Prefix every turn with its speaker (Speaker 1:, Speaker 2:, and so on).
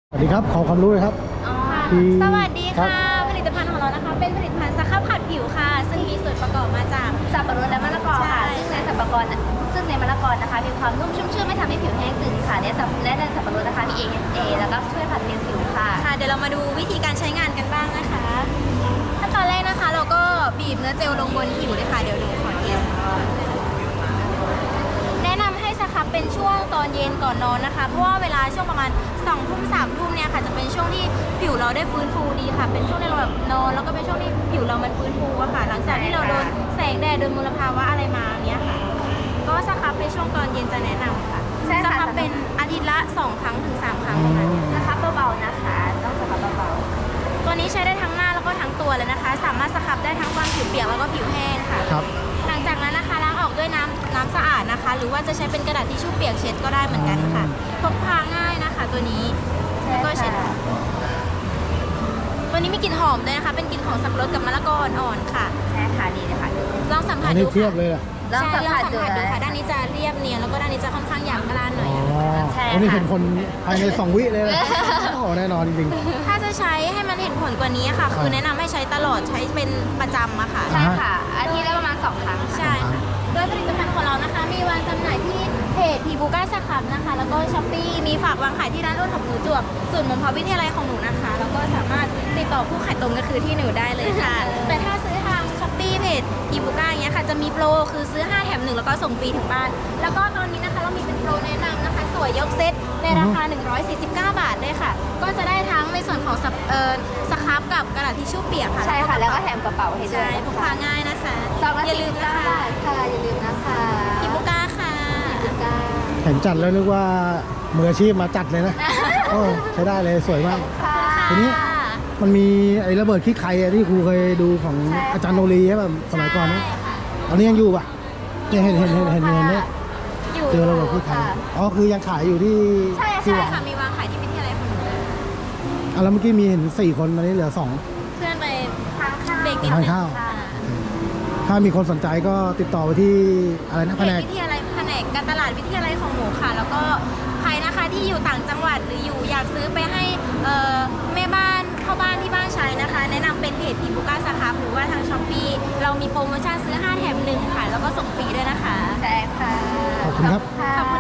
Speaker 1: สวัสดีครับขอความรู้เลยครับ
Speaker 2: สวัสดีค่ะผลิตภัณฑ์ของเรานะคะเป็นผลิตภัณฑ์สครับขัดผิวค่ะซึ่งมีส่วนประกอบมาจาก
Speaker 3: สับปะรดและมะละกอค่ะซึ่งในมะละกอนะคะมีความนุ่มชุ่มชื่นไม่ทำให้ผิวแห้งตึงค่ะและในสับปะรดนะคะมี AHA แล้วก็ช่วยผัดเซลล์ผิวค่ะ
Speaker 2: เดี๋ยวเรามาดูวิธีการใช้งานกันบ้างนะคะขั้นตอนแรกนะคะเราก็บีบเนื้อเจลลงบนผิวเลยค่ะเดี๋ยวหนูขอเทสแนะนำให้สครับเป็นช่วงตอนเย็นก่อนนอนนะคะเพราะว่าเวลาช่วงประมาณ2 ทุ่ม 3 ทุ่มเนี่ยค่ะจะเป็นช่วงที่ผิวเราได้ฟื้นฟูดีค่ะเป็นช่วงที่เราแบบนอนแล้วก็เป็นช่วงที่ผิวเรามันฟื้นฟูอะค่ะหลังจากที่เราโดนแสงแดดโดนมลภาวะอะไรมาเนี้ยค่ะก็สครับในช่วงตอนเย็นจะแนะนำค่ะสครับเป็นอาทิตย์ละ2 ครั้งถึง 3 ครั้งประมาณนี้
Speaker 3: สครับเบาๆนะคะต้องสครับเบาๆ
Speaker 2: ตัวนี้ใช้ได้ทั้งหน้าแล้วก็ทั้งตัวเลยนะคะสามารถสครับได้ทั้งบางผิวเปียกแล้วก็ผิวแห้งค่ะ
Speaker 1: ครับ
Speaker 2: หลังจากนั้นนะคะล้างออกด้วยน้ำสะอาดนะคะหรือว่าจะใช้เป็นกระดาษทิชชู่เปียกเช็ดก็ได้เหมือนกันค่ะพกพาง่ายนะคะตัวนี้แล้วก็เช็ดตัวนี้มีกลิ่นหอมด้วยนะคะเป็นกลิ่นของสับปะรดกับมะละกออ่อนๆค่ะ
Speaker 3: ใช่ค่ะดีเลยค่ะ
Speaker 2: ลองสัมผั
Speaker 1: อั
Speaker 2: ส
Speaker 1: น
Speaker 2: ดู
Speaker 1: นี้เทียบ
Speaker 2: ค่ะ
Speaker 1: เลยอ่ะ
Speaker 3: ลองสัมผัสดู
Speaker 2: ค่ะด้านนี้จะเรียบเนียนแล้วก็ด้านนี้จะค่อนข้างหยาบกร้านหน่อย
Speaker 3: ใช่
Speaker 1: อันนี้
Speaker 3: ค่ะ
Speaker 1: เห็นคนภายใน2 วิเลยนะโอ้แน่นอนจริง
Speaker 2: ถ้าจะใช้ให้มันเห็นผลกว่านี้ค่ะคือแนะนำให้ใช้ตลอดใช้เป็นประจำอะค่ะ
Speaker 3: ใช่ค่ะอาทิตย์ละประมาณ2 ครั้งค่ะ
Speaker 2: ใช่ค่ะโดยผลิตภัณฑ์ของเรานะคะ มีวางจำหน่ายที่เพจพีบูก้าสครับนะคะ แล้วก็ช้อปปี้มีฝากวางขายที่ร้านรุ่นของหนูจวบศูนย์มพวิทยาลัยของหนูนะคะ แล้วก็สามารถติดต่อผู้ขายตรงก็คือที่หนูได้เลยค่ะ แต่ถ้าซื้อทางช้อปปี้เพจพีบูก้าอย่างเงี้ยค่ะจะมีโปรคือซื้อ5 แถม 1แล้วก็ส่งฟรีถึงบ้าน แล้วก็ตอนนี้นะคะเรามีเป็นโปรแนะนำนะคะสวยยกเซตในราคา149 บาทเลยค่ะ ก็จะได้ทั้งในส่วนของสครับกับกระดาษทิชชู่เปียกค่ะ
Speaker 3: ใช่ค่ะแล้วก็แถมกระเป๋าให้ด้ว
Speaker 2: ใช่
Speaker 3: ย
Speaker 2: พกพาง่ายนะคะ
Speaker 3: ซองละ
Speaker 2: อย่าลืม
Speaker 3: 49
Speaker 2: นะคะ
Speaker 3: บาทค่ะอย่าลืมนะคะ
Speaker 2: พีบูก้าค่ะ
Speaker 1: ๆ เห็นจัดแล้วนึกว่ามืออาชีพมาจัดเลยนะโอ้ใช้ได้เลยสวยมาก
Speaker 3: ค่ะ
Speaker 1: ทีนี้ มันมีไอ้ระเบิดขี้ไข่อะที่ครูเคยดูของอาจารย์โนรีใช่ป่ะสมัยก่อนนะตอนนี้ยังอยู่ป่ะเนี่ยเห็นเนี่ย
Speaker 2: อยู่
Speaker 1: เจอระเบิดขี้ไข่อ๋อคือยังขายอยู่ที่
Speaker 2: ใช่
Speaker 1: ที่วัง
Speaker 2: ค่ะ มีวางขายที่วิทยาลัยของหนูเลย
Speaker 1: อ่ะแล้วเมื่อกี้มีเห็น4 คนตอนนี้เหลือ2
Speaker 2: เพื่อนไป
Speaker 3: ทานข้าว
Speaker 2: เบรกนิด
Speaker 1: ทาน
Speaker 2: นึง
Speaker 1: ข้าว
Speaker 2: ค่ะ
Speaker 1: ถ้ามีคนสนใจก็ติดต่อไปที่อะไรนะ
Speaker 2: เพ
Speaker 1: แผน
Speaker 2: จ
Speaker 1: ก
Speaker 2: วิทยาลัยแผนกการตลาดวิทยาลัยของหนูค่ะ แล้วก็ใครนะคะที่อยู่ต่างจังหวัดหรืออยู่อยากซื้อไปให้แม่บ้านเข้าบ้านที่บ้านใช้นะคะ แนะนำเป็นเพจพีบูก้าสครับหรือว่าทางช้อปปี้เรามีโปรโมชั่นซื้อ5 แถม 1ค่ะแล้วก็ส่งฟรีด้วยนะคะ
Speaker 3: ใช่ค่ะ
Speaker 1: ขอบคุณครับ
Speaker 3: ขอบคุณ